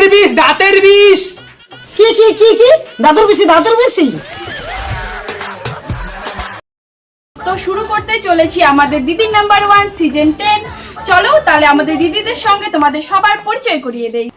বিষ, দাঁতের বিষ। কি কি কি কি দাদুর বেশি, দাদুর বেশি। তো শুরু করতে চলেছি আমাদের দিদি নাম্বার 1 সিজন 10। চলো তাহলে আমাদের দিদিদের সঙ্গে তোমাদের সবার পরিচয় করিয়ে দেই।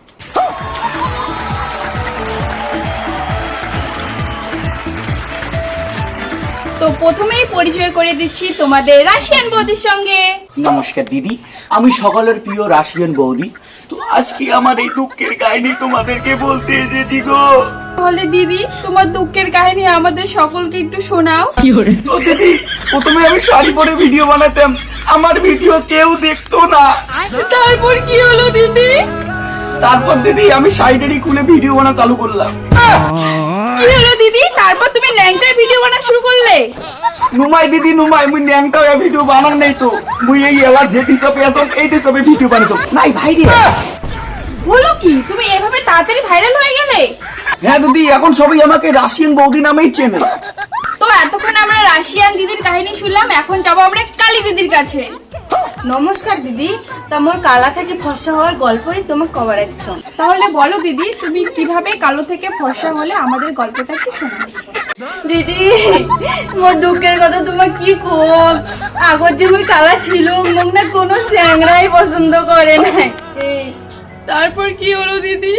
তো প্রথমেই পরিচয় করে দিচ্ছি তোমাদের রাশিয়ান বৌদির সঙ্গে। নমস্কার দিদি, আমি সকলের প্রিয় রাশিয়ান বৌদি। তো আজকে আমার এই দুঃখের কাহিনী তোমাদেরকে বলতে এসেছি গো। তাহলে দিদি তোমার দুঃখের কাহিনী আমাদের সকলকে একটু শোনাও। তো দিদি, প্রথমে আমি শাড়ি পরে ভিডিও বানাতাম, আমার ভিডিও কেউ দেখতো না। তারপর কি হলো দিদি? তারপর দিদি আমি শাড়িটারি খুলে ভিডিও বানা চালু করলাম। কি হলো দিদি? তারপর তুমি ল্যাংটার ভিডিও বানা শুরু করলে? নুমাই দিদি নুমাই, মুই ন্যাংটা ভিডিও বানান নাই তো, মুই এই এলা যে হিসাবে আসল এই হিসাবে ভিডিও বানাইছো নাই ভাই রে। বলো কি, তুমি এভাবে তাড়াতাড়ি ভাইরাল হয়ে গেলে? হ্যাঁ দিদি, এখন সবাই আমাকে রাশিয়ান বৌদি নামেই চেনে। তো এতক্ষণ আমরা রাশিয়ান দিদির কাহিনী শুনলাম, এখন যাবো আমরা কালী দিদির কাছে। নমস্কার দিদি, তা মোর কালা থেকে ফর্সা হওয়ার গল্পই তোমার কভারেজ। তাহলে বলো দিদি, তুমি কিভাবে কালো থেকে ফর্সা হলে, আমাদের গল্পটা কি শোনাও। দিদি মোর দুঃখের কথা তোমার কি কম। আগর যে মুই কালা ছিল, মোক না কোনো স্যাংরাই পছন্দ করে না। তারপর কি হলো দিদি?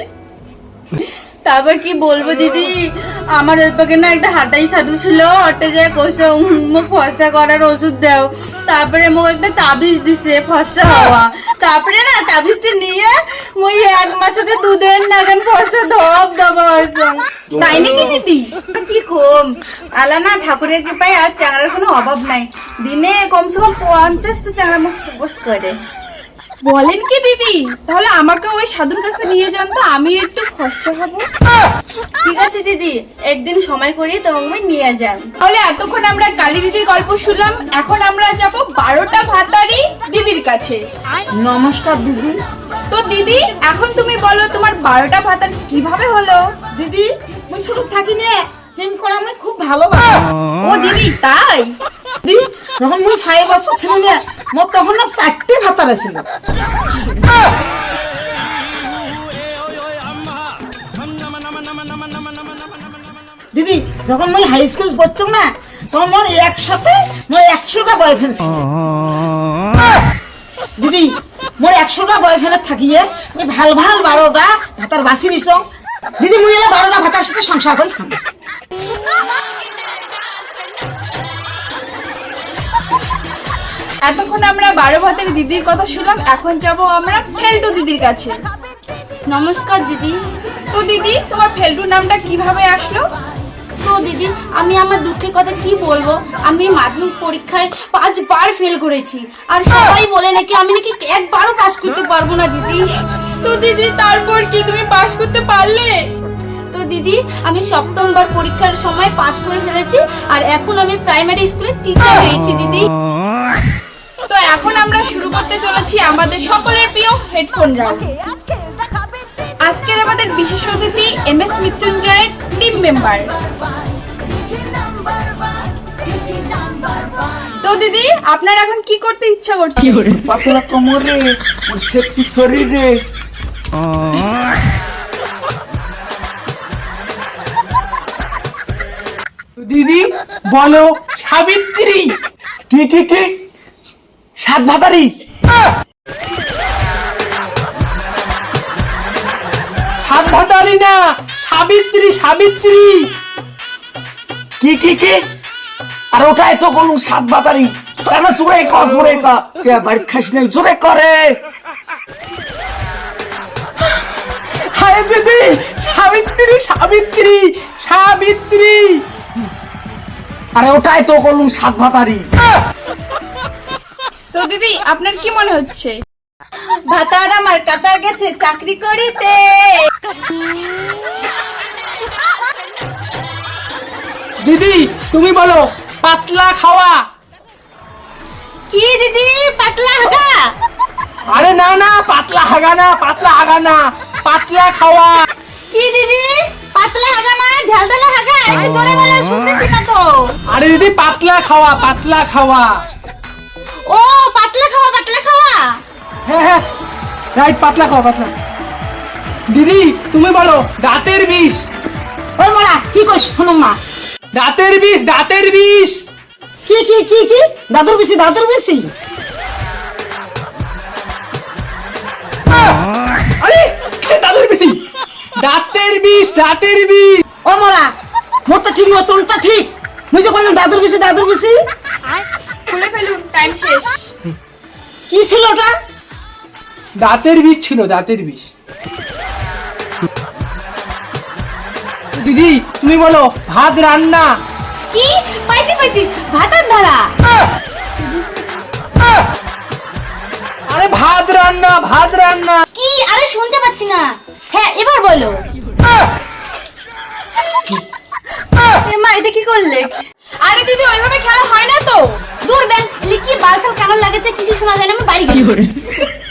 তারপর কি বলবো দিদি, আমার ওই পাকে না একটা হাঁটাই সাধু ছিল, অটে যায় কোসো মুখ ফর্সা করার ওষুধ দাও। তারপরে মোক একটা তাবিজ দিছে ফর্সা হওয়া। তারপরে না তাবিজটা নিয়ে মুই 1 মাসেতে দুধের নাগান ফর্সা ধপ ধবা হয়েছে। তাই নাকি দিদি? কি কম আলা না, ঠাকুরের কৃপায় আর চ্যাংড়ার কোনো অভাব নাই। দিনে কমসে কম 50টা চ্যাংড়া মুখ বস করে। বলেন কি দিদি? তাহলে আমাকে ওই সাধুর কাছে নিয়ে যান তো, আমি একটু ফর্সা হবো। ঠিক আছে দিদি, একদিন সময় করিয়ে তোমাকে নিয়ে যান। তাহলে এতক্ষণ আমরা কালী দিদির গল্প শুনলাম, এখন আমরা যাব 12টা ভাতারি দিদির কাছে। নমস্কার দিদি। তো দিদি, এখন তুমি বলো তোমার 12টা ভাতার কিভাবে হলো? দিদি মুই ছোট থাকি নে হিং করা আমি খুব ভালোবাসি। ও দিদি, তাই? দিদি যখন মুই 6 বছর ছিল না, মোর তখন না 4টে ভাতার ছিল। দিদি যখন মুই হাই স্কুল পড়তাম না, তখন মোর একসাথে মোর 100টা বয়ফ্রেন্ড ছিল। দিদি মোর 100টা বয়ফ্রেন্ড থাকিয়ে মুই ভাল ভাল 12টা ভাতার বাছি নিছ। দিদি মুই এলা 12টা ভাতার সাথে সংসার করি খাম। এতক্ষণ আমরা 12 ভাতের দিদির কথা শুনলাম, এখন যাব আমরা ফেলটু দিদির কাছে। নমস্কার দিদি। তো দিদি, তোমার ফেলটু নামটা কিভাবে আসলো? তো দিদি, আমি আমার দুঃখের কথা কি বলবো, আমি মাধ্যমিক পরীক্ষায় 5 বার ফেল করেছি। আর সবাই বলে নাকি আমি নাকি একবারও পাস করতে পারবো না দিদি। তো দিদি তারপর কি তুমি পাশ করতে পারলে? তো দিদি, আমি 7ম বার পরীক্ষার সময় পাস করে ফেলেছি, আর এখন আমি প্রাইমারি স্কুলের টিচার হয়েছি দিদি। তো এখন আমরা শুরু করতে চলেছি আমাদের সকলের প্রিয় হেডফোন রাউন্ড। আজকের আমাদের বিশেষ অতিথি MS মৃত্যুঞ্জয়ের টিম মেম্বার। তো দিদি, আপনার এখন কি করতে ইচ্ছা করছে? পাতলা কোমর রে, ওর সেক্সি শরীর রে। দিদি বলো, সাবিত্রী। কি কি কি? 7 ভাতারি? সাত ভাতারি না, সাবিত্রী, সাবিত্রী। কি কি কি? আর ওটাই তো বলুন 7 ভাতারি। তার মানে জোরে কর, জোরে কর। কে বাড়িতে খাস নাই, জোরে করে। হায় দিদি, সাবিত্রী, সাবিত্রী, সাবিত্রী। আরে ওটাই তো বলুন 7 ভাতারি। তো দিদি, আপনার কি মনে হচ্ছে? ভাতার আমার কাটা গেছে চাকরি করিতে। দিদি তুমি বলো, পাতলা খাওয়া। কি দিদি, পাতলা হাগা? আরে না না, পাতলা হাগা না, পাতলা হাগা না, পাতলা খাওয়া। কি দিদি, পাতলা হাগা না ঢালঢালা হাগা? একটু জোরে বলো, শুনতেছি না তো। আরে দিদি পাতলা খাওয়া, পাতলা খাওয়া। ও পাতলা খাওয়া, পাতলা খাওয়া। হ্যাঁ হ্যাঁ রাইট, পাতলা খাওয়া, পাতলা। দিদি তুমি বলো দাঁতের বিষ। ওই মারা কি কইস শোনো মা। দাঁতের বিষ, দাঁতের বিষ। কি কি কি কি দাদুর বেশি দাদুর বেশি। আরে কিসের দাঁতের বিষ? দাঁতের বিষ, দাঁতের বিষ। ও মারা মোরটা ঠিক ও তোরটা ঠিক। মুই যে কইলাম দাদুর বেশি দাদুর বেশি। খুলে ফেলুন, টাইম শেষ। কি ছিল ওটা? দাঁতের বিষ ছিল, দাঁতের বিষ। দিদি তুমি বলো ভাত রান্না। কি পাইছি পাইছি ভাতার ধারা। আরে ভাত রান্না, ভাত রান্না। কি আরে শুনতে পাচ্ছি না। হ্যাঁ এবার বলো। মা এটা কি করলে? আরে দিদি ওইভাবে খেলা হয় না তো। দূর ব্যাং কি বালসাল কামড় লাগেছে কিছু শোনা যায় না, আমি বাড়ি গেলি।